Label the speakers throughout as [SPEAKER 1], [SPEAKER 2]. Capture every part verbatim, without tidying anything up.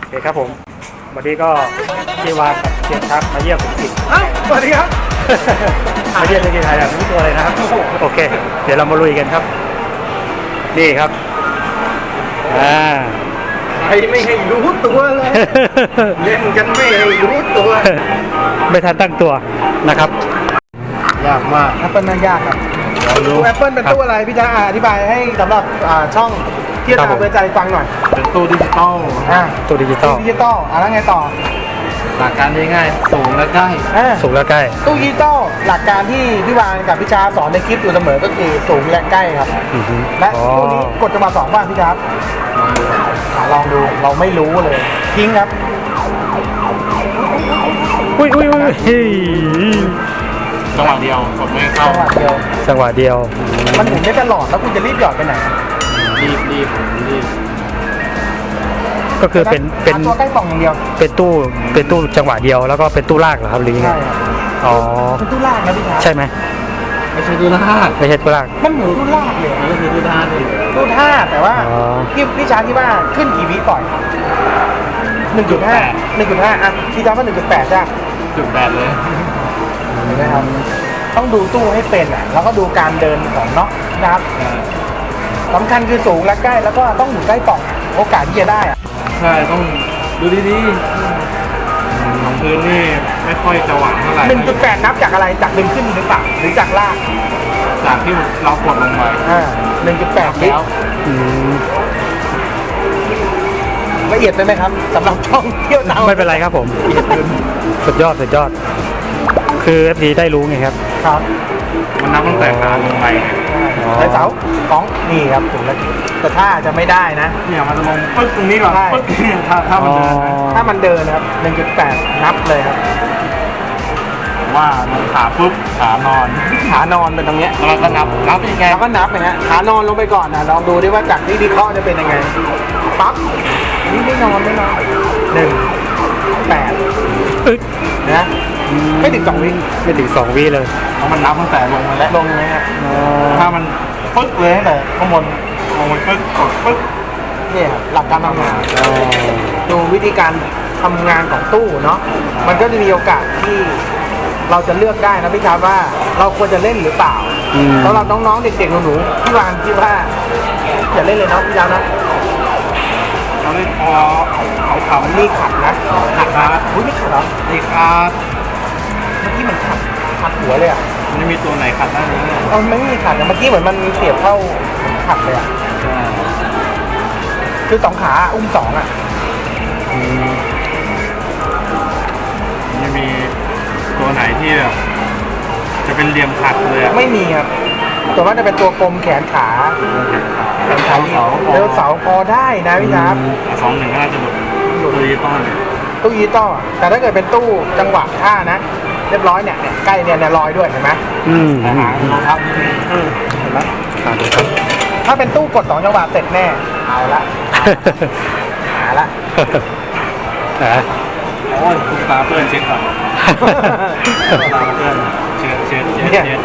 [SPEAKER 1] โอเคครับผมวันนี้ก็ที่วานกับเชียร์ครับมาเยี่ยมอีก
[SPEAKER 2] อ้าวสวัสดีครับ
[SPEAKER 1] มาเยี่ยมในกีฬาแบบนี้ตัวเลยนะครับโอเคเดี๋ยวเรามาลุยกันครับนี่ครับอ่า
[SPEAKER 2] ใครไม่ให้รู้ตัวเลยเล่นกันไม่ให้รู้ตัว
[SPEAKER 1] ไม่ทันตั้งตัวนะครับ
[SPEAKER 2] ยากมากแอปเปิลน่ายากครับตู้แอปเปิลเป็นตู้อะไรพี่จ๊ะอธิบายให้สำหรับช่องเที่ยวตามเพื่อใจฟังหน่อยเป็นตู้ดิจิตอลอ่า
[SPEAKER 1] ตัวดิจิตอล
[SPEAKER 2] ดิจิตอลอ่ะแล้วไงต่อหลักการง่ายๆสูงและใกล้
[SPEAKER 1] สูงและใกล้
[SPEAKER 2] ตู้ดิจิตอลหลักการที่พี่วานกับพี่จ้าสอนในคลิปอยู่เสมอก็คือสูงและใกล้ครับและตู้นี้กดจังหวะสองบ้างพี่จ้าลองดูเราไม่รู้เลยทิ้งครับ
[SPEAKER 1] อุ้ยอุ้ยอุ้ย
[SPEAKER 3] จังหวะเดียวกดไม่เข้า
[SPEAKER 2] จังหวะเดียว
[SPEAKER 1] จังหวะเดียว
[SPEAKER 2] มันหมุนได้ตลอดแล้วคุณจะรีบหยอดไปไหน
[SPEAKER 3] รีบรีบรีบ
[SPEAKER 1] ก็คือเป็นเป็น
[SPEAKER 2] ตัวใกล้กล่องอย่างเดียว
[SPEAKER 1] เป็นตู้เป็นตู้จังหวะเดียวแล้วก็เป็นตู้ลากเหรอครับหรือยังไง
[SPEAKER 2] ใช่ครับ
[SPEAKER 1] อ๋อ
[SPEAKER 2] เป็นตู้ลากนะพี่จ้า
[SPEAKER 1] ใช่ไหม
[SPEAKER 3] ไม่ใช่ดูลาก
[SPEAKER 1] ไม่ใช่ตู้ลาก
[SPEAKER 2] มันเหมือนตู้ลากเลย
[SPEAKER 3] มันก็คือดูท่านี่
[SPEAKER 2] ตู้ท่าแต่ว่า
[SPEAKER 1] อ๋อ
[SPEAKER 2] พี่พี่ช้างที่ว่าขึ้นกี่วิก่อนหนึ่งจุดห้าหนึ่งจุดห้าอ่ะพี่ช้างว่าหนึ่งจุดแปดจ้ะ
[SPEAKER 3] จุดแปดเลย
[SPEAKER 2] เห็นไหมครับต้องดูตู้ให้เป็นอ่ะแล้วก็ดูการเดินของเนาะนะครับสำคัญคือสูงและใกล้แล้วก็ต้องอยู่ใกล้ปล่องโอกาสที่จะได้อ่ะ
[SPEAKER 3] ใช่ต้องดูดีๆของพื้นนี่ไม่ค่อยจะหวานเท่าไหร่
[SPEAKER 2] หนึ่งจุดแปดนับจากอะไรจากดึงขึ้นหรือเปล่าหรือจากลาก
[SPEAKER 3] จากที่เรากดลงไป
[SPEAKER 2] อ่าหนึ่งจุดแปด
[SPEAKER 3] แล้ว
[SPEAKER 1] อืม
[SPEAKER 2] ละเอียดไปไหมครับสำหรับช่องเที่ยวหนาว
[SPEAKER 1] ไม่เป็นไรครับผมสุดยอดสุดยอด คือเอฟดีได้รู้ไงครับ
[SPEAKER 2] ครับ
[SPEAKER 3] มันนับตั้งแต่การลงไป
[SPEAKER 1] อ๋อ
[SPEAKER 2] ไดเสาของนี่ครับถึงแล้วแต่ถ้าจะไม่ได้นะ
[SPEAKER 3] เนี่ยมันจะลงปึ๊กตรงนี้ก่อน
[SPEAKER 2] ใช่
[SPEAKER 3] ปึ๊กถ้าถ้ามันเดินนะ
[SPEAKER 2] ถ้ามันเดินนะครับหนึ่งจุดแปดนับเลยครับ
[SPEAKER 3] ผมว่าลงขาปุ๊บขานอน
[SPEAKER 2] ขานอนเป็นตรงเนี้ย
[SPEAKER 3] แล้วเราก็นับนับยังไง
[SPEAKER 2] แล้วก็นับนะฮะขานอนลงไปก่อนนะลองดูดิว่าจากที่วิเคราะห์จะเป็นยังไงปั๊บนี่ไม่นอนไม่นอนหนึ่งแปด
[SPEAKER 1] อึ๊ก
[SPEAKER 2] นะไม่ถึงสองวิ
[SPEAKER 1] ไม่ถึงสองวิเลย
[SPEAKER 3] เพราะมันนับตั้งแต่ลงมาแล้ว
[SPEAKER 2] ลงเลยฮะ
[SPEAKER 3] ถ้ามันปึ๊กเลยตั้งแต่ข้างบนลงไปปึ๊กกดปึ๊ก
[SPEAKER 2] เนี่ยครับหลักการทำงาน ดูวิธีการทำงานของตู้เนาะมันก็จะมีโอกาสที่เราจะเลือกได้นะพี่ชาร์ว่าเราควรจะเล่นหรือเปล่า
[SPEAKER 1] อืม
[SPEAKER 2] สำหรับน้องๆเด็กๆหนูๆพี่วานคิดว่าอย่าเล่นเลยเนาะพี่ชาร์นะ
[SPEAKER 3] เราเล่นพอเขาขำ
[SPEAKER 2] นี่ขัดนะขัดนะอุ้ยนี่ขัดเหรอ
[SPEAKER 3] นี่ครับ
[SPEAKER 2] เมื่อกี้มันขัดขัดหัวเลยอ่ะ
[SPEAKER 3] มันจะมีตัวไหนขัดได้ไหมเนี่ย
[SPEAKER 2] เอาไม่มีขัดนะเมื่อกี้เหมือนมันเสียบเข้าขัดเลยอ่ะคือสองขาอุ้มสองอ่ะ
[SPEAKER 1] อืม
[SPEAKER 3] มันจะมีตัวไหนที่แบบจะเป็นเหลี่ยมขัดเลยอะ
[SPEAKER 2] ไม่มีครับส่วนมากจะเป็นตัวกลมแขนขาแขนขาเดียวเดี๋ยวเสาพอได้นะพี่ชาร์
[SPEAKER 3] สองหนึ่งก็น่าจะหลุดหลุดดิจิตอลเนี่ย
[SPEAKER 2] ตู้ยีต้อแต่ถ้าเกิดเป็นตู้จังหวะท่านะ เรียบร้อยเนี่ยเนี่ยใกล้เนี่ยเนี่ยลอยด้วยเห็นไหม
[SPEAKER 1] อืม
[SPEAKER 3] แต่หางรองเท้านิดนึง
[SPEAKER 2] อืมเห็นไหม
[SPEAKER 1] ครับครับ
[SPEAKER 2] ถ้าเป็นตู้กดสองจังหวะเสร็จแน่เอาละหาละ
[SPEAKER 1] อ่ะ
[SPEAKER 3] โอ้ยคุณตาเพื่อนเช็คก่อนตาเพื่อนเช็ดเช็ดเช็ดเช็ด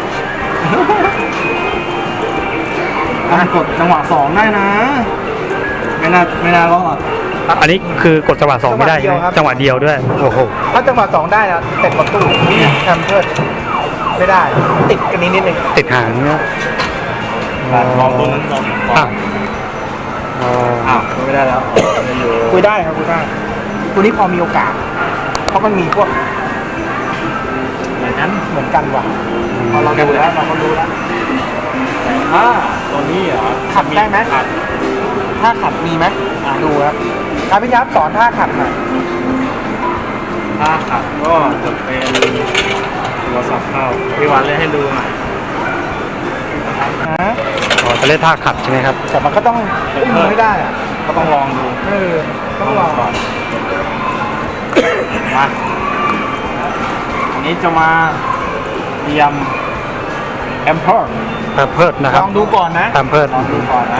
[SPEAKER 3] การกดจังหวะสองได้นะ ไม่น่าไม่น่ารอด
[SPEAKER 1] อันนี้คือกดจังหวะสองไม่ได้ใช่ไหมจังหวะเดียวด้วยโอ้โห
[SPEAKER 2] ถ้าจังหวะสองได้นะเสร็จประตูแคมเพิร์ดไม่ได้ ติดกันนิดนิดนึง
[SPEAKER 1] ติดหางเนี่ย
[SPEAKER 3] ลองตัวนั้นลอง
[SPEAKER 1] อ่ะอ๋อ
[SPEAKER 3] อ้าวไม่ได้แล้วไม่อยู่
[SPEAKER 2] คุยได้ครับคุยได้ตัวนี้พอมีโอกาส เพราะมันมีพวก
[SPEAKER 3] เหมือนนั้น
[SPEAKER 2] เหมือนกันว่ะพอเราดูแล้วเราก็รู้แล้ว
[SPEAKER 3] ถ้าตัวนี้เหรอ
[SPEAKER 2] ขัดได้ไหม
[SPEAKER 3] ขัด
[SPEAKER 2] ท่าขัดมีไหมอ่ะดูครับครับพี่ยับสอนท่าขัดหน่อย
[SPEAKER 3] ถ้าขัดก็จะเป็นตัวสับเข้าพี่วันเล่นให้ดูหน่อย
[SPEAKER 2] นะ
[SPEAKER 1] อ๋อจะเล่นท่าขัดใช่ไหมครับ
[SPEAKER 2] แต่มันก็ต้องอุ้มมือให้ได้อ่ะ
[SPEAKER 3] ก็ต้องลองดู
[SPEAKER 2] เออต้องลอง
[SPEAKER 3] ก่อนมาอันนี้จะมาเตรียมแอมเพิร์
[SPEAKER 1] ตามเพิดนะค
[SPEAKER 2] ล
[SPEAKER 1] รับ
[SPEAKER 2] องดูก่อนนะ
[SPEAKER 1] ตามเพิด
[SPEAKER 3] ลองดูก่อนนะ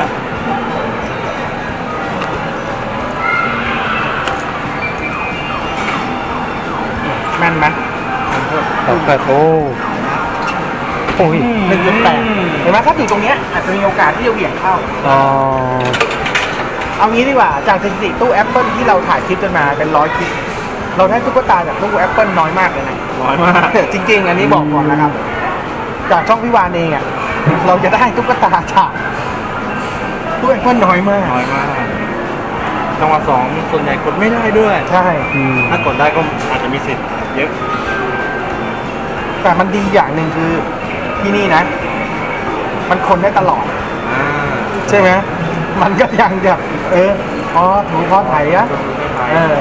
[SPEAKER 2] แม่นไหม
[SPEAKER 1] ตามเพิดโอ้โอ้ย
[SPEAKER 2] หนึ่งจุดแปดเห็นไหมถ้าอยู่ตรงเนี้ยอาจจะมีโอกาสที่จะเหวี่ยงเข้า
[SPEAKER 1] อ๋อ
[SPEAKER 2] อเอางี้ดีกว่าจากสถิติตู้แอปเปิลที่เราถ่ายคลิปกันมาเป็นร้อยคลิปเราได้ตุ๊กตาจากตู้แอปเปิลน้อยมากเลยนะ
[SPEAKER 3] น้อยมาก
[SPEAKER 2] จริงๆ อันนี้บอกก่อนนะครับ จากช่องพี่วานเองอ่ะเราจะได้ตุ๊กตาจากตู้แอปเปิลน้อยมาก
[SPEAKER 3] น้อยมากจังหวะสองส่วนใหญ่กดไม่ได้ด้วย
[SPEAKER 2] ใช่
[SPEAKER 1] อืม
[SPEAKER 3] ถ้ากดได้ก็อาจจะมีสิทธิ์เยอะ
[SPEAKER 2] แต่มันดีอย่างหนึ่งคือที่นี่นะ มันคนได้ตลอด
[SPEAKER 3] อ่า
[SPEAKER 2] ใช่ไหมมันก็ยังแบบเอออ๋อถูพอไถอะเออ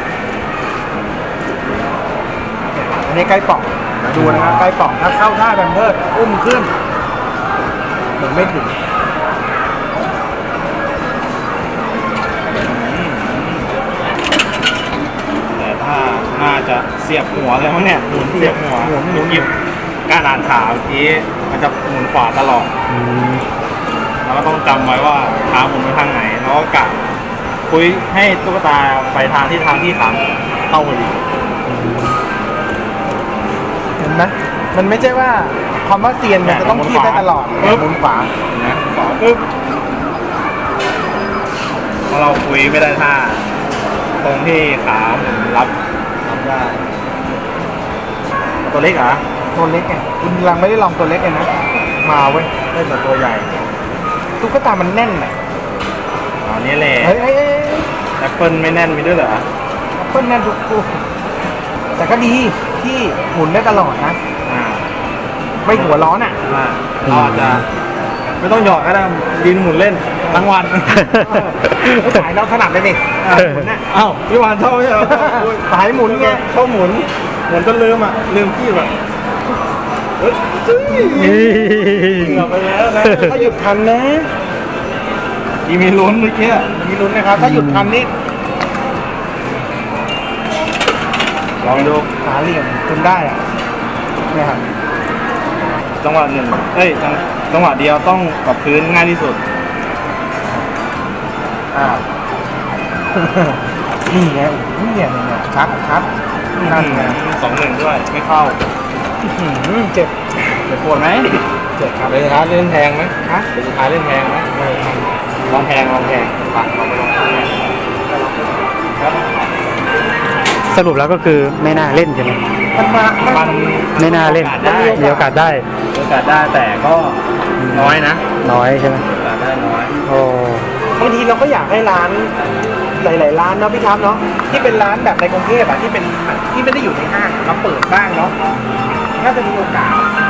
[SPEAKER 2] อันนี้ใกล้ป่องดูนะครับใกล้ป่องถ้าเข้าท่าแบมเพิร์ดอุ้มขึ้นเหมือนไม่ถึง
[SPEAKER 3] แต่ถ้าน่าจะเสียบหัวเลยมั้งเนี่ยหมุนเสียบหัวหมุนหยิบการอ่านข่าวเมื่อกี้มันจะหมุนขวาตลอด
[SPEAKER 1] อืม
[SPEAKER 3] เราก็ต้องจำไว้ว่าเท้าหมุนไปทางไหนแล้วก็กะคุยให้ตุ๊กตาไปทางที่ทางที่ขาเข้าพอดี
[SPEAKER 2] เห็นไหมมันไม่ใช่ว่าคำว่าเซียนมันจะต้องคีบได้ตลอด
[SPEAKER 3] ปึ๊บ
[SPEAKER 2] หมุนขวา
[SPEAKER 3] นะขวาปึ๊บพอเราคุยไม่ได้ท่าตรงที่ขาหมุนรับรับได้ตัวเล็กเหรอ
[SPEAKER 2] ตัวเล็กไงคุณลังไม่ได้ลองตัวเล็กเลยนะมาเว้ย
[SPEAKER 3] ได้แต่ตัวใหญ่
[SPEAKER 2] ตุ๊กตามันแน่นอ่ะ
[SPEAKER 3] อ๋อนี่แหละ
[SPEAKER 2] เฮ้ยเฮ้ยเฮ้ย
[SPEAKER 3] แอปเปิลไม่แน่นมีด้วยเหรอ
[SPEAKER 2] แอปเปิ้ลแน่นทุกคู่แต่ก็ดีที่หมุนได้ตลอดนะ
[SPEAKER 3] อ่า
[SPEAKER 2] ไม่หัวร้อนอ่ะ
[SPEAKER 3] อ่าเราอาจจะไม่ต้องหยอดก็ได้ดินหมุนเล่นทั้งวัน
[SPEAKER 2] ไม่สายเราถนัดเลยนี่หมุนน่ะ
[SPEAKER 3] อ้าวพี่วานชอบไหมเหรอ
[SPEAKER 2] สายหมุนไง
[SPEAKER 3] ชอบหมุนหมุนจนลืมอ่ะลืมพี่แบบเฮ้ยจุ้ย
[SPEAKER 1] นี่
[SPEAKER 3] เกือบไปแล้วนะ
[SPEAKER 2] ถ้าหยุดทันนะ
[SPEAKER 3] มีมีลุ้นเมื่อกี้
[SPEAKER 2] มีลุ้นนะครับ ถ้าหยุดทันนี่
[SPEAKER 3] ลองดู
[SPEAKER 2] หาเหลี่ยมจนได้อ่ะเนี่ยครับ
[SPEAKER 3] จังหวะหนึ่งเอ้ยจังจังหวะเดียวต้องกับพื้นง่ายที่สุด
[SPEAKER 2] อ่า นี่ไงโอ้โหเนี่ยเนี่ยชัดชัดนั่นไง
[SPEAKER 3] สองหนึ่งด้วยไม่เข้า
[SPEAKER 2] อื้อหือเจ็บ
[SPEAKER 3] จะปวดไหม
[SPEAKER 2] เจ็บครับ
[SPEAKER 3] เดี๋ยวสุดท้ายเล่นแพงไหม
[SPEAKER 2] ฮะ
[SPEAKER 3] เดี๋ยวสุดท้ายเล่นแพงไหมลองแพงลองแพงปัดลองไปลองแพงครับ
[SPEAKER 1] สรุปแล้วก็คือไม่น่าเล่นใช่ไหม
[SPEAKER 2] มันมา
[SPEAKER 3] มัน
[SPEAKER 1] ไม่น่าเล่น
[SPEAKER 3] ได้
[SPEAKER 1] มีโอกาสได้
[SPEAKER 3] มีโอกาสได้แต่ก็น้อยนะ
[SPEAKER 1] น้อยใช่ไหม
[SPEAKER 3] โอกาสได้น้อย
[SPEAKER 1] โอ้
[SPEAKER 2] บางทีเราก็อยากให้ร้านหลาย ๆ ร้านเนาะพี่ครับเนาะที่เป็นร้านแบบในกรุงเทพอะที่เป็นที่ไม่ได้อยู่ในห้างมาเปิดบ้างเนาะน่าจะมีโอกาส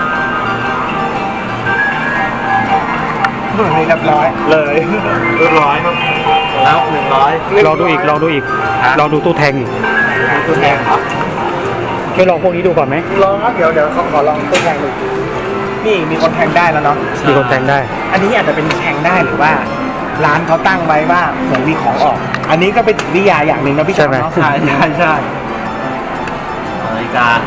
[SPEAKER 2] เฮ้ยเรียบร้อย
[SPEAKER 3] เลยเรียบร้อยครับแล้วหนึ่งร้อย
[SPEAKER 1] ลองดูอีกลองดูอีก
[SPEAKER 3] ฮะ
[SPEAKER 1] ลองดูตู้แทงอีก
[SPEAKER 3] ตัวแพงครับ
[SPEAKER 1] ไม่ลองพวกนี้ดูก่อนไหม
[SPEAKER 2] ลองครับเดี๋ยวเดี๋ยวขอขอลองตัวแทงดูนี่มีคนแทงได้แล้วเนาะ
[SPEAKER 1] มีคนแทงได้
[SPEAKER 2] อันนี้อาจจะเป็นแทงได้หรือว่า ร้านเขาตั้งไว้ว่าเหมือนมีของออก อันนี้ก็เป็นวิทยาอย่างหนึ่งนะพี่จอมเนาะ
[SPEAKER 3] ใช่ใช่ใช่นาฬิกา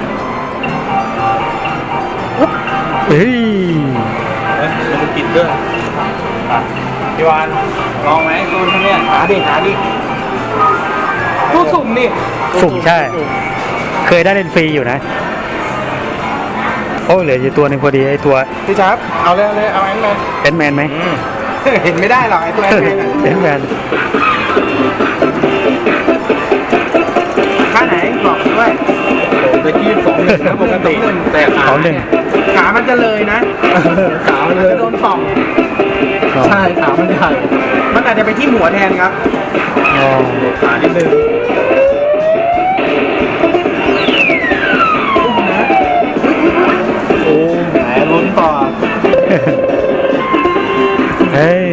[SPEAKER 1] เฮ้ย
[SPEAKER 3] เอ้ยมันกินด้วยอ่ะพี่วานลองไหมคุณเนี่ย
[SPEAKER 2] หาดิหาดิตู้สุ่มนี่
[SPEAKER 1] สุ่มใช่ เคยได้เล่นฟรีอยู่นะโอ้เหลืออยู่ตัวหนึงพอดีไอ้ตัว
[SPEAKER 2] พี่ชับเอาเลยเอาเลยเอาแอนแมน
[SPEAKER 1] แอนแมนไหม
[SPEAKER 3] อืม
[SPEAKER 2] เห็นไม่ได้หรอกไอ้ตัวแอนแมน
[SPEAKER 1] แอนแมน
[SPEAKER 2] ค่าไหนบอกด้วย
[SPEAKER 3] ผมจะยี่สิบสองหนึ่งนะปกติแต่ขา
[SPEAKER 1] เขาหนึ่ง
[SPEAKER 2] ขามันจะเลยนะ
[SPEAKER 3] ขามันเลย
[SPEAKER 2] จะโดนป่อง
[SPEAKER 3] ใช่ขามันใหญ่
[SPEAKER 2] มันอาจจะไปที่หัวแทนครับ
[SPEAKER 1] อ๋อ
[SPEAKER 3] ขานิดนึงโอ้แหมลุ้นต่อ
[SPEAKER 1] เฮ้ย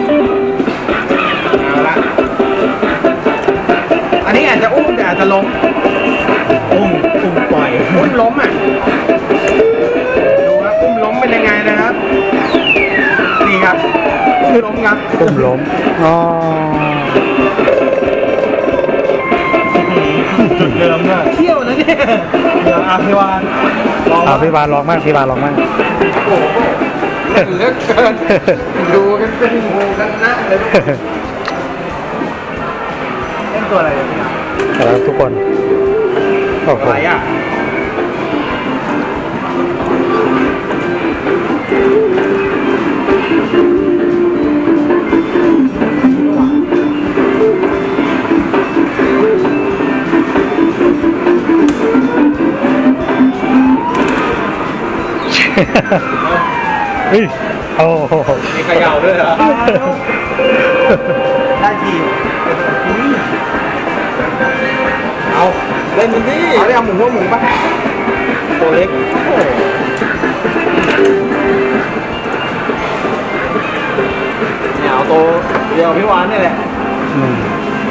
[SPEAKER 2] เอาละอันนี้อาจจะอุ้มแต่อาจจะล้ม
[SPEAKER 3] อุ้มอุ้มปล่อย
[SPEAKER 2] อุ้มล้มอ่ะ ดูครับอุ้มล้มเป็นยังไงนะครับ นี่ครับอุ้มล้มครับ
[SPEAKER 1] ปุ่มล้มอ๋อ
[SPEAKER 3] จุดเดิมด้วย
[SPEAKER 2] เที่ยวนะเนี่ย
[SPEAKER 3] เดี๋ยวอาพิวานลอง
[SPEAKER 1] เอาพี่บาลลองมากพี่บาลลองมาก
[SPEAKER 2] โอ้โหเล่นเหลือเกิน ดูกันเป็นหมูกันนะเลยเล่นตัวอะไรเนี่ยพี่ครับ
[SPEAKER 1] แล้วทุกคนโอ้โห
[SPEAKER 2] อะไรอ่ะ
[SPEAKER 1] เฮ้ยโอ้โห
[SPEAKER 3] มีเขย่าด้วยเหรอ
[SPEAKER 2] ได้ทีอุ้ย
[SPEAKER 3] เอาเล่นมันดิ
[SPEAKER 2] เอาได้เอาหมูว่าหมูป่ะ
[SPEAKER 3] ตัวเล็กเนี่ยเอาตัวเดียวพี่วานนี่แหละ
[SPEAKER 1] อืม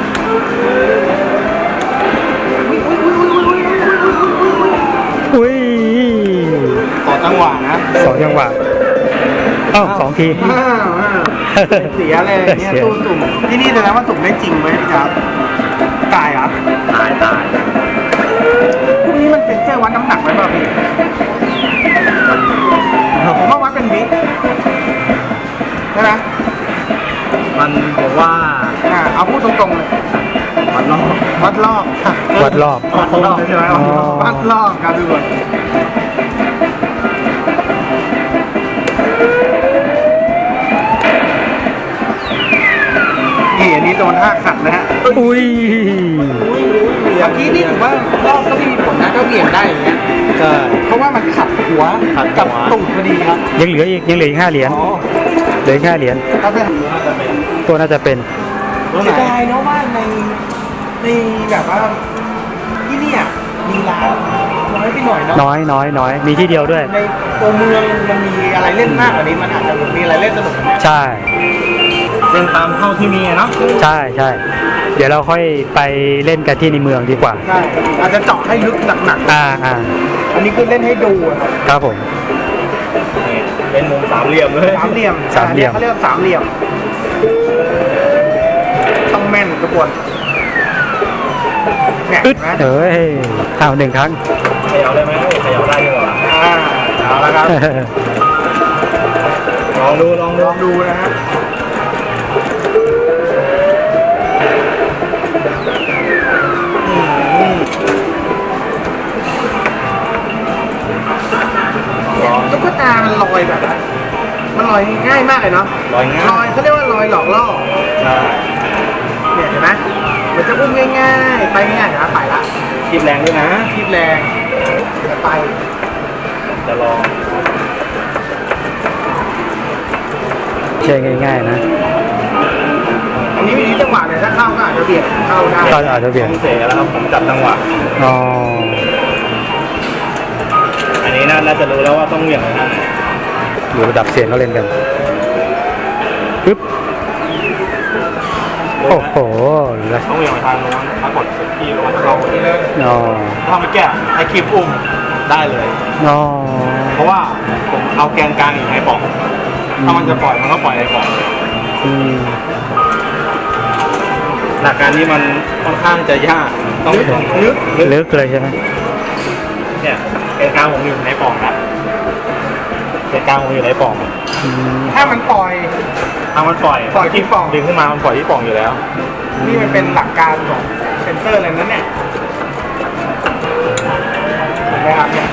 [SPEAKER 1] อุ้ย
[SPEAKER 3] ต่อจังหวะนะ
[SPEAKER 1] สองจังหวะอ้าวสองที
[SPEAKER 2] อ้าวอ้าวเสียเลยเนี่ย
[SPEAKER 1] เสีย
[SPEAKER 2] ตู้สุ่มที่นี่แสดงว่าสุ่มได้จริงไหมพี่ครับตายเหรอ
[SPEAKER 3] ตายตาย
[SPEAKER 2] พวกนี้มันเป็นเสื้อวัดน้ำหนักไว้ป่ะพี่ผมว่าวัดเป็นวิใช่ไหม
[SPEAKER 3] มันบอกว่า
[SPEAKER 2] อ่าเอาพูดตรงๆเลย
[SPEAKER 3] มันนอก
[SPEAKER 2] วัดรอบ
[SPEAKER 1] วัดรอบ
[SPEAKER 2] วัดรอบใช่ไหม
[SPEAKER 1] อ๋อ
[SPEAKER 2] วัดรอบครับทุกคนนี่อันนี้โดนท่าขัดนะฮะ
[SPEAKER 1] อุ้ย
[SPEAKER 2] เมื่อกี้นี่ถือว่ารอบก็ไม่มีผลนะก็เบี่ยงได้อย่างเงี้ย
[SPEAKER 3] ใช่
[SPEAKER 2] เพราะว่ามันขัดหัว
[SPEAKER 3] ขัดหัว
[SPEAKER 2] กับตูดพอดีครับ
[SPEAKER 1] ยังเหลืออีกยังเหลืออีกห้าเหรียญ
[SPEAKER 2] อ๋อ
[SPEAKER 1] เหลืออีกห้าเหรียญ
[SPEAKER 2] ถ้าเป็น
[SPEAKER 3] น่าจะเป็น
[SPEAKER 1] ตัวน่าจะเป็น
[SPEAKER 3] ตัวไหน
[SPEAKER 2] เสียดายเนาะว่าในในแบบว่าที่เนี่ยมีร้านน้อยไปหน่อยเนาะ
[SPEAKER 1] น้อยน้อยน้อยมีที่เดียวด้วย
[SPEAKER 2] ในตัวเมืองมันมีอะไรเล่นมากกว่านี้มันอาจจะมีอะไรเล่นสนุกกว่านี้
[SPEAKER 1] ใช่
[SPEAKER 3] เล่นตามเท่าที่มีอะเนาะ
[SPEAKER 1] ใช่ใช่เดี๋ยวเราค่อยไปเล่นกันที่ในเมืองดีกว่า
[SPEAKER 2] ใช่อาจจะเจาะให้ลึกหนัก
[SPEAKER 1] อ่าอ่า
[SPEAKER 2] ๆอันนี้คือเล่นให้ดูอะครับ
[SPEAKER 1] ครับผม
[SPEAKER 3] นี่เป็นมุมสามเหลี่ยมเลย
[SPEAKER 2] สามเหลี่ยม
[SPEAKER 1] สามเหลี่ยม
[SPEAKER 2] เขาเรียกว่าสามเหลี่ยมต้องแม่นทุกคนเนี่ย
[SPEAKER 1] อึด
[SPEAKER 2] เห็นไหม
[SPEAKER 1] เอ้ยเอาหนึ่งครั้ง
[SPEAKER 3] เขย่าได้ไหมเขย่าได้ดีกว่า
[SPEAKER 2] อ่าเอาละครับ
[SPEAKER 3] ลองดูลองดู
[SPEAKER 2] ลองดูนะฮะตุ๊กตามันลอยแบบว่ามันลอยง่ายมากเลยเนาะ
[SPEAKER 3] ลอยง่าย
[SPEAKER 2] ลอยเขาเรียกว่าลอยหลอกล่อ
[SPEAKER 3] ใช่
[SPEAKER 2] เนี่ยเห็นไหมมันจะอุ้มง่ายๆ ไปง่ายๆนะไปละ
[SPEAKER 3] คิดแรงด้วยนะ
[SPEAKER 2] คิดแรงจะไป
[SPEAKER 3] จะลอง
[SPEAKER 1] ใช่ง่ายๆนะ
[SPEAKER 2] อันนี้มีจังหวะเนี่ยถ้าเข้าก็อาจจะเบียดเข้าได้
[SPEAKER 1] ก็อาจจะเปลี่ยน
[SPEAKER 3] ผมเสแล้วครับผมจับจังหวะ
[SPEAKER 1] อ๋อ
[SPEAKER 3] อันนี้น่าน่าจะรู้แล้วว่าต้องเหวี่ยงอะไรนะ
[SPEAKER 1] อยู่ระดับเสียงเขาเล่นกันปึ๊บโอ้โหแล้ว
[SPEAKER 3] ต้องเหวี่ยงไปทางโน้นถ้ากดที่ลงมาเราที่เลย
[SPEAKER 1] อ๋อ
[SPEAKER 3] ถ้าไม่แก้ให้คลิปอุ้มได้เลย
[SPEAKER 1] อ๋อ
[SPEAKER 3] เพราะว่าผมเอาแกนกลางอยู่ในปล่องถ้ามันจะปล่อยมันก็ปล่อยในปล่อง
[SPEAKER 1] อืม
[SPEAKER 3] หลักการนี้มันค่อนข้างจะยากต้องต้องลึกลึก
[SPEAKER 1] ลึกเลยใช่ไหม
[SPEAKER 3] เนี่ยแกนกลางผมอยู่ในปล่องนะแกนกลางผมอยู่ในปล่อง
[SPEAKER 1] อืม
[SPEAKER 2] ถ้ามันปล่อย
[SPEAKER 3] ถ้ามันปล่อย
[SPEAKER 2] ปล่อยที่ปล่อง
[SPEAKER 3] ดึงขึ้นมามันปล่อยที่ปล่องอยู่แล้ว
[SPEAKER 2] นี่มันเป็นหลักการของเซนเซอร์เลยนะเนี่ยเห็นไหมครับเนี่ย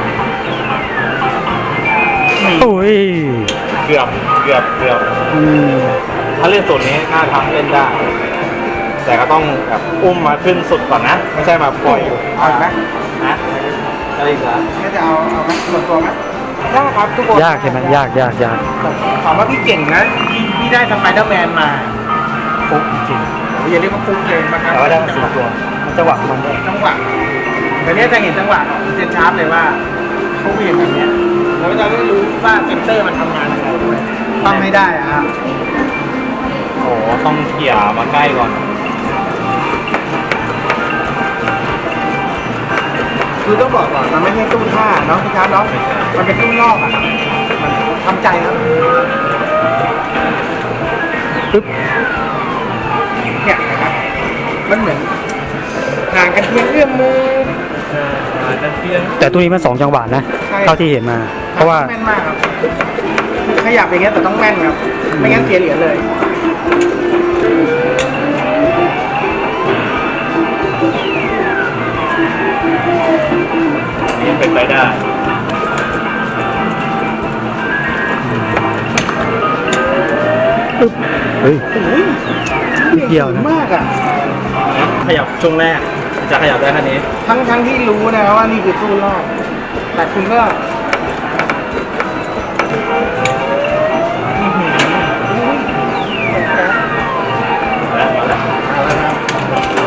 [SPEAKER 1] อุ้ย
[SPEAKER 3] เกือบเกือบเกือบ
[SPEAKER 1] อืม
[SPEAKER 3] ถ้าเล่นสูตรนี้น่าทำเล่นได้ แต่ก็ต้องแบบอุ้มมาขึ้นสุดก่อนนะ ไม่ใช่มาปล่อยอยู่
[SPEAKER 2] เอาอีกไหม
[SPEAKER 3] นะอะไรอีกนะ
[SPEAKER 2] ก็จะเอาเอาไหมส่วนตัวไหมยากครับทุกคน
[SPEAKER 1] ยากใช่ไหมยากยากยาก
[SPEAKER 2] ถามว่าพี่เก่งนะพี่พี่ได้สไปเดอร์แมนมา
[SPEAKER 1] ฟุกจริง
[SPEAKER 2] อย่าเรียกว่าฟุกเลยนะครับ
[SPEAKER 1] แต่ว่าได้มาสี่ตัวมันจังหวะของมันด้วย
[SPEAKER 2] จังหวะเดี๋ยวนี้จะเห็นจังหวะของเซนชาร์ปเลยว่าเขาเหวี่ยงแบบเนี้ยแล้วเราก็ได้รู้ว่าเซนเตอร์มันทำงานยังไงด้วยต้องไม่ได้อะครับ
[SPEAKER 3] โอ้โหต้องเขี่ยมาใกล้ก่อน
[SPEAKER 2] คือต้องบอกก่อนมันไม่ใช่ตู้ท่าเนาะพี่ชาร์ปเนาะมันเป็นตู้นอกอะครับมันทำใจครับ
[SPEAKER 1] ปึ๊บ
[SPEAKER 2] เนี่ยนะครับมันเหมือนห่างกันเพียงเอื้อมมือ
[SPEAKER 3] จะเพียน
[SPEAKER 1] แต่ตัวนี้มันสองจังหวะนะ
[SPEAKER 2] ใช่
[SPEAKER 1] เท่าที่เห็นมา เพราะว่า
[SPEAKER 2] แม่นมากครับขยับอย่างเงี้ยแต่ต้องแม่นครับไม่งั้นเสียเหรียญเลย
[SPEAKER 3] นี่เป็นไปได้
[SPEAKER 1] ปึ๊บเฮ้ย
[SPEAKER 2] โอ้ย
[SPEAKER 1] นิดเดียวนะ
[SPEAKER 2] มากอ่ะ
[SPEAKER 3] ขยับช่วงแรก จะขยับได้แค่นี้
[SPEAKER 2] ทั้งทั้งที่รู้นะว่านี่คือตู้รอบแต่คุณก็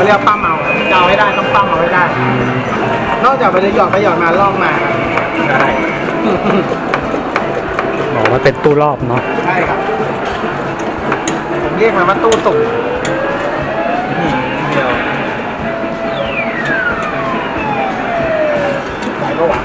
[SPEAKER 2] เขาเรียกว่าปั้มเอาครับจะเอาให้ได้ต้องปั้มเอาให้ได้ นอกจากไปเลยหยอดไปหยอดมาลอกมาครับ
[SPEAKER 3] ใช่
[SPEAKER 1] บอกว่าเป็นตู้รอบเนาะ
[SPEAKER 2] ใช่ครับผมเรียกมันว่าตู้สุ่ม
[SPEAKER 3] นี่เดียว
[SPEAKER 2] ไหนก็หวาน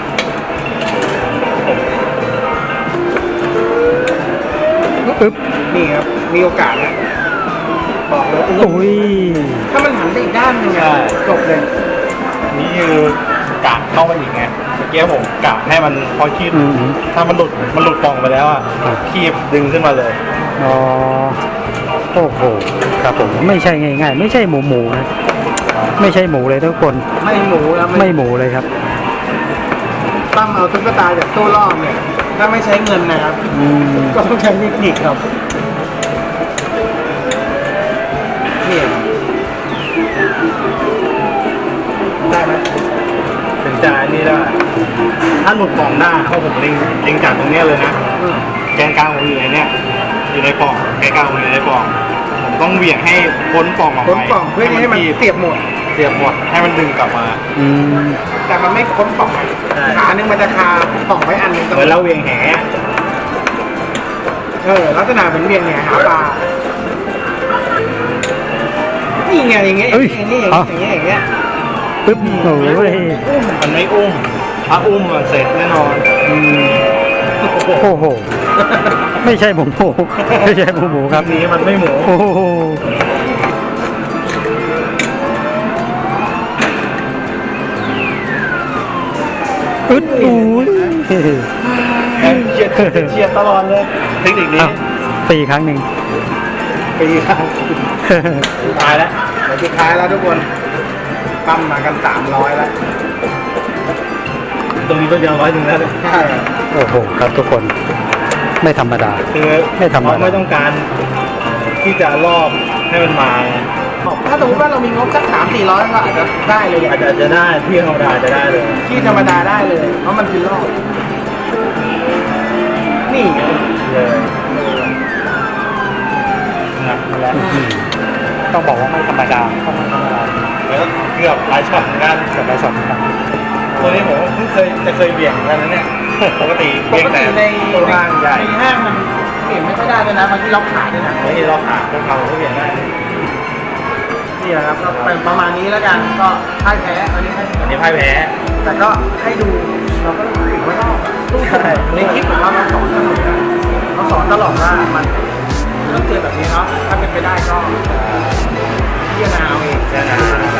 [SPEAKER 1] ปึ๊บ
[SPEAKER 2] นี่ครับมีโอกาสนะบอกเลย
[SPEAKER 1] โอ้ย
[SPEAKER 2] ถ้ามันหันไปอีกด้านหนึงอะจบเลย
[SPEAKER 3] นี่คือกะเข้าไปอีกไงเมื่อกี้ผมกะให้มันพอคีบ
[SPEAKER 1] อืม
[SPEAKER 3] ถ้ามันหลุดมันหลุดปล่องไปแล้วอ่ะ
[SPEAKER 1] ครับ
[SPEAKER 3] คีบดึงขึ้นมาเลย
[SPEAKER 1] อ๋อโอ้โหครับผมไม่ใช่ง่ายๆ ไม่ใช่หมูหมูนะไม่ใช่หมูเลยทุกคน
[SPEAKER 2] ไม่หมูแล้ว
[SPEAKER 1] ไม่หมูเลยครับ
[SPEAKER 2] ปั้มเอาตุ๊กตาจากตู้รอบเนี่ยถ้าไม่ใช้เงินนะครับ
[SPEAKER 1] อืม
[SPEAKER 2] ก็ต้องใช้เทคนิคครับนี่ได้ไหม
[SPEAKER 3] ถึงจะอันนี่ได้ถ้าหลุดปล่องได้เพราะผมเล็งเล็งจากตรงเนี้ยเลยนะ
[SPEAKER 2] อืม
[SPEAKER 3] แกนกลางผมอยู่ในเนี้ยอยู่ในปล่องแกนกลางผมอยู่ในปล่องผมต้องเหวี่ยงให้พ้นปล่องออก
[SPEAKER 2] พ้น
[SPEAKER 3] ไป
[SPEAKER 2] กล่องเพื่อให้มัน
[SPEAKER 3] คีบ
[SPEAKER 2] เสียบหมด
[SPEAKER 3] เสียบหมดให้มันดึงกลับมา
[SPEAKER 1] อืม
[SPEAKER 2] แต่มันไม่พ้นกล่อง
[SPEAKER 3] ใช่
[SPEAKER 2] ขาหนึ่งมันจะคากล่องไว้อันหนึงตรง
[SPEAKER 3] เหมือนเราเหวี่ยงแห
[SPEAKER 2] เออลักษณะเป็นเวียงเนี่ยหาปลานี่ไงอย่างเงี้ยอย่างเงี้ยอย่างเงี้ยอย่างเงี้ย
[SPEAKER 1] ปึ๊บโอ้ย
[SPEAKER 3] อุ้มมันไม่อุ้มถ้าอุ้มมันเสร็จแน่นอน
[SPEAKER 1] อืมโอ้โหไม่ใช่หมูหมูไม่ใช่หมูหมูครับ
[SPEAKER 3] ทีนี้มันไม่หมู
[SPEAKER 1] โอ้โหอึดอุ้ย
[SPEAKER 3] เฉียดเฉียดตลอดเลยเทคนิคนี้
[SPEAKER 1] อ้าวตีครั้งหนึ่ง
[SPEAKER 2] ปีครับ
[SPEAKER 3] ตายแล้ว
[SPEAKER 2] เดี๋ยวสุดท้ายแล้วทุกคนปั้มมากันสามร้อยแล้ว
[SPEAKER 3] ตรงนี้ก็จะร้อยหนึ่งแล้ว
[SPEAKER 2] ใช่
[SPEAKER 1] โอ้โหครับทุกคนไม่ธรรมดา
[SPEAKER 3] คือ
[SPEAKER 1] ไม่ธรรมดา
[SPEAKER 3] เขาไม่ต้องการที่จะรอบให้มันมา
[SPEAKER 2] ถ้าสมมติว่าเรามีงบสักสามสี่ร้อยก็อาจจะได้เลย
[SPEAKER 3] อาจจะจะได้ที่ธรรมดาจะได้เลย
[SPEAKER 2] ที่ธรรมดาได้เลย เพราะมันคือรอบนี่ไง
[SPEAKER 3] เลยนะแล้ว
[SPEAKER 1] ต้องบอกว่าไม่ธรรมดาต้องไม่ธรรมดา
[SPEAKER 3] แล้วก็เกือบหลายช็อตเหมือนกัน
[SPEAKER 1] เกือบได้สองครั้ง
[SPEAKER 3] ตัวนี้ผมเพิ่งเคยจะเคยเบี่ยงเหมือนกันนะเนี่ยปกติ
[SPEAKER 2] ป
[SPEAKER 3] เบี่ยง
[SPEAKER 2] ก
[SPEAKER 3] แต่
[SPEAKER 2] ติใน
[SPEAKER 3] ตัวล่างใหญ่
[SPEAKER 2] ในห้างมันเปลี่ยนไม่ค่อยได้ด้วยนะบางทีเราขายด้วยนะ
[SPEAKER 3] ไม่ใช่เราขาดพวกเราก็เบี่ยงได้
[SPEAKER 2] นี่แหละครับก็เป็นประมาณนี้แล้วกันก็พ่ายแพ้อันนี้ให้
[SPEAKER 3] อันนี้พ่ายแพ้
[SPEAKER 2] แต่ก็ให้ดูเราก็ถือว่ารอบตู้สมุดในคลิปของเราเราสอนตลอดนะเราสอนตลอดว่ามันต้องเจอแบบนี้เนาะถ้าเป็นไปได้ก็พิจารณาเอาเอง
[SPEAKER 3] แค่นั้น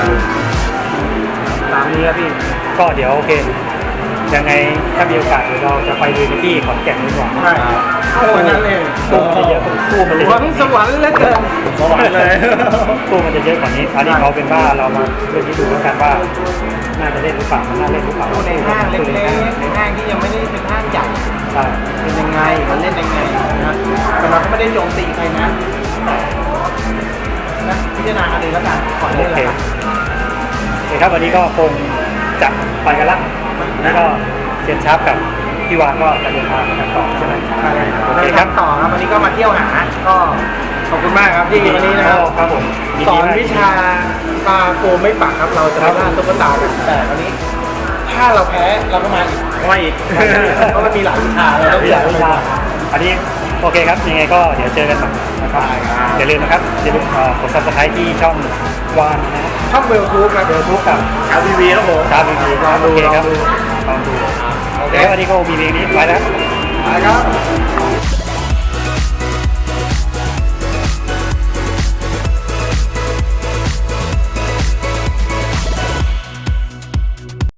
[SPEAKER 2] ตามนี้ครับพี่
[SPEAKER 1] ก็เดี๋ยวโอเค ยังไงถ้ามีโอกาสเดี๋ยวเราจะไปดูที่ขอนแก่นดีกว่า
[SPEAKER 2] ใช่โอ้ยนั่นเลย
[SPEAKER 1] ตู้มันจะเยอะตู้มันจะ
[SPEAKER 2] ห
[SPEAKER 1] เย
[SPEAKER 2] วั
[SPEAKER 1] อะ
[SPEAKER 2] งสวรรค์เหลือเกิน
[SPEAKER 3] สวรรค์เลย
[SPEAKER 1] ตู้มันจะเยอะกว่านี้อันนี้เขาเป็นว่าเรามาเรื่องนี้ดูแล้วกันว่าน่าจะเล่นหรือเปล่ามันน่าเล่นหรือเปล่า
[SPEAKER 2] ตู้ในห้างเล็กๆในห้างที่ยังไม่ได้เป็นห้างใหญ่
[SPEAKER 1] ใช่
[SPEAKER 2] เป็นยังไงมันเล่นยังไงนะแต่เราก็ไม่ได้โจมตีใครนะนะพิจารณากันเองแล้วกันก่อน
[SPEAKER 1] โอ
[SPEAKER 2] เล่น
[SPEAKER 1] เค
[SPEAKER 2] แล้วกัน
[SPEAKER 1] โอเคครับวันนี้ก็คงจะไปกันละแล้วก็เซียนชาร์ปกับพี่วานก็จะเดินทางกันต่อใช่ไหม
[SPEAKER 2] ใช่ครับ
[SPEAKER 1] โอ
[SPEAKER 2] เรา
[SPEAKER 1] เค
[SPEAKER 2] จะ
[SPEAKER 1] ครับ
[SPEAKER 2] ทำต่อครับวันนี้ก็มาเที่ยวหาก็ขอบคุณมากครับที่วันนี้นะครับ
[SPEAKER 1] ครับผมยิ
[SPEAKER 2] ส
[SPEAKER 1] ดี
[SPEAKER 2] อน
[SPEAKER 1] มาก
[SPEAKER 2] วิชาปลาโกไม่ปักครับเราจะไปล่าตุ๊กตากันแต่วันนี้ ถ้าเราแพ้เราก็มาอีก
[SPEAKER 1] ไม่อีก
[SPEAKER 2] เพราะมันมีหลายวิชาเราต้อง
[SPEAKER 1] มีหลายวิชาอันนี้โอเคครับยังไงก็เดี๋ยวเจอกันใหม่นะครับอย่าลืมนะครับอย่าลืมเอ่อกด ซับสไครบ์ ที่ช่องวานนะ
[SPEAKER 2] ช่องเวลทูบครับ
[SPEAKER 1] เดี๋ยวทุกกับ
[SPEAKER 3] ชาวทีวีครับผม
[SPEAKER 1] ชาร์ปดีๆ
[SPEAKER 2] ลองดู
[SPEAKER 1] โอเคครับ
[SPEAKER 2] ลองดู
[SPEAKER 1] ลองดูโอเควันนี้ก็มีเพลงนี้ไปแล้ว
[SPEAKER 2] ไปครับ